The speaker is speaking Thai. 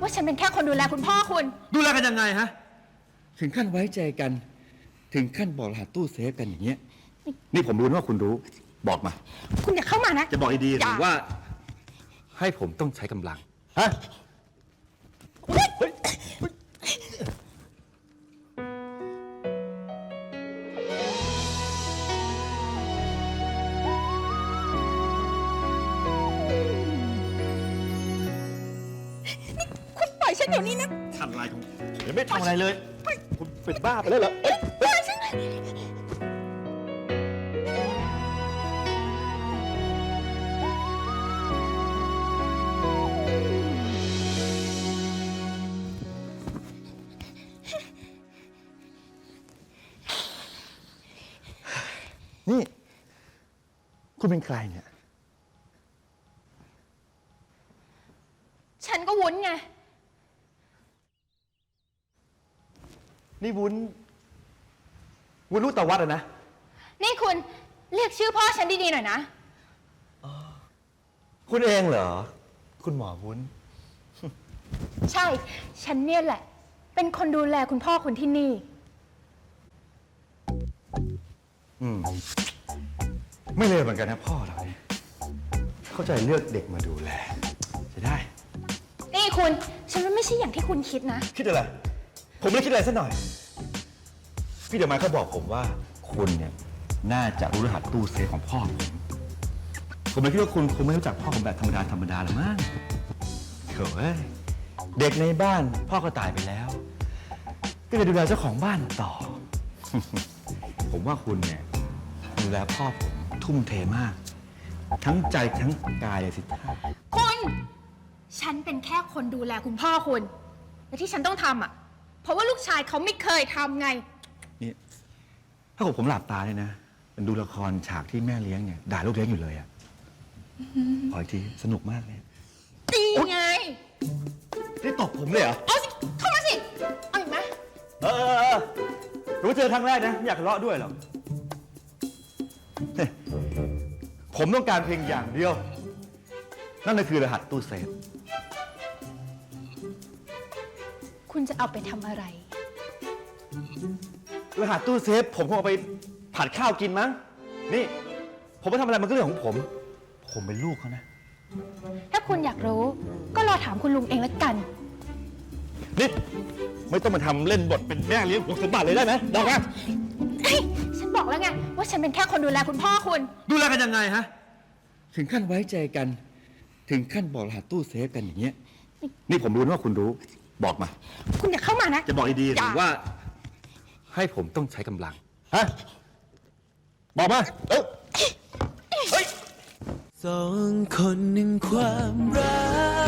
ว่าฉันเป็นแค่คนดูแลคุณพ่อคุณดูแลกันยังไงฮะถึงขั้นไว้ใจกันถึงขั้นบอกรหัสตู้เซฟกันอย่างเงี้ยนี่ผมรู้นะว่าคุณรู้บอกมาคุณอย่าเข้ามานะจะบอกดีๆหรือว่าให้ผมต้องใช้กำลังฮะคุณปล่อยฉันเดี๋ยวนี้นะทำอะไรผมยังไม่ทำอะไรเลยคุณเป็นบ้าไปแล้วเหรอปล่อยฉันนี่คุณเป็นใครเนี่ยฉันก็วุ้นไงนี่วุ้นลูกตาวัดอะนะนี่คุณเรียกชื่อพ่อฉันดีๆหน่อยนะคุณเองเหรอคุณหมอวุ้นใช่ฉันเนี่ยแหละเป็นคนดูแลคุณพ่อคุณที่นี่ไม่เลวเหมือนกันนะพ่อเราเนี่ยเข้าใจเลือกเด็กมาดูแลจะได้นี่คุณฉันว่าไม่ใช่อย่างที่คุณคิดนะคิดอะไรผมไม่ได้คิดอะไรสักหน่อยพี่เดชมาเขาบอกผมว่าคุณเนี่ยน่าจะรู้รหัสตู้เซฟของพ่อผมเลยคิดว่าคุณคงไม่รู้จักพ่อผมแบบธรรมดาหรอกมั้งเฮ้ยเด็กในบ้านพ่อก็ตายไปแล้วก็เลยดูแลเจ้าของบ้านต่อ ผมว่าคุณเนี่ยดูแลพ่อผมทุ่มเทมากทั้งใจทั้งกายเลยสิท่าคุณฉันเป็นแค่คนดูแลคุณพ่อคุณและที่ฉันต้องทำอ่ะเพราะว่าลูกชายเขาไม่เคยทำไงนี่ถ้าผมหลับตาเลยนะมันดูละครฉากที่แม่เลี้ยงเนี่ยด่าลูกเลี้ยงอยู่เลยอ่ะขออีกทีสนุกมากเลยตีไงนี่ตบผมเลยเหรอเอาสิเข้ามาสิเอาอีกไหมรู้เจอครั้งแรกนะไม่อยากทะเลาะด้วยหรอกผมต้องการเพียงอย่างเดียวนั่นก็คือรหัสตู้เซฟคุณจะเอาไปทำอะไรรหัสตู้เซฟผมคงเอาไปผัดข้าวกินมั้งนี่ผมไปทำอะไรมันก็เรื่องของผมเป็นลูกเขานะถ้าคุณอยากรู้ก็รอถามคุณลุงเองแล้วกันนี่ไม่ต้องมาทำเล่นบทเป็นแม่เลี้ยงหวงสมบัติเลยได้ไหมได้ไหมฉันบอกแล้วไงว่าฉันเป็นแค่คนดูแลคุณพ่อคุณดูแลกันยังไงฮะถึงขั้นไว้ใจกันถึงขั้นบอกรหัสตู้เซฟกันอย่างเงี้ยนี่ผมรู้นะว่าคุณรู้บอกมาคุณอย่าเข้ามานะจะบอกดีๆหรือว่าให้ผมต้องใช้กำลังฮะบอกมาเฮ้ยสองคนหนึ่งความรัก